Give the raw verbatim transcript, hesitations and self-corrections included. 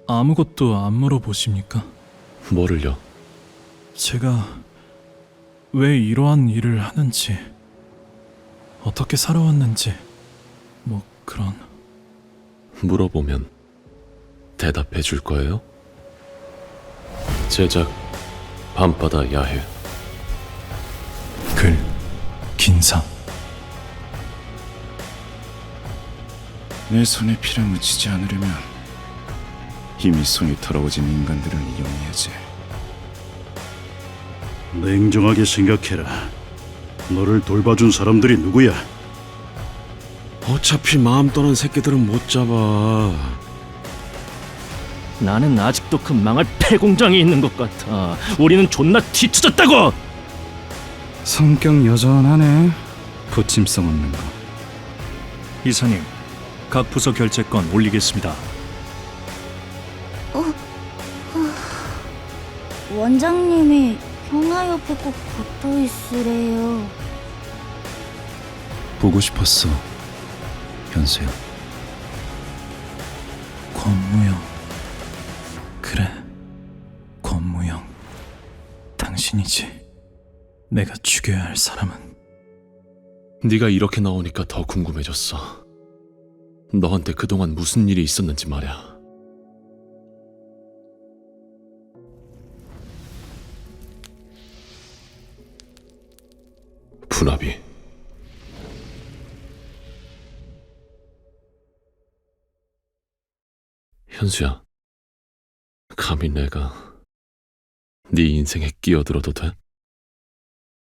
아무것도 안 물어보십니까? 뭐를요? 제가 왜 이러한 일을 하는지, 어떻게 살아왔는지, 뭐 그런... 물어보면 대답해 줄 거예요? 제작 밤바다 야해. 글, 긴상. 내 손에 피를 묻히지 않으려면 이미 손이 더러워진 인간들을 이용해야지. 냉정하게 생각해라. 너를 돌봐준 사람들이 누구야? 어차피 마음 떠난 새끼들은 못 잡아. 나는 아직도 그 망할 폐공장에 있는 것 같아. 우리는 존나 뒤쳐졌다고! 성격 여전하네. 부침성 없는 거. 이사님, 각 부서 결제권 올리겠습니다. 원장님이 형아 옆에 꼭 붙어 있으래요. 보고 싶었어, 현수야. 권무영. 그래, 권무영. 당신이지. 내가 죽여야 할 사람은. 네가 이렇게 나오니까 더 궁금해졌어. 너한테 그동안 무슨 일이 있었는지 말이야. 분합이. 현수야, 감히 내가 네 인생에 끼어들어도 돼?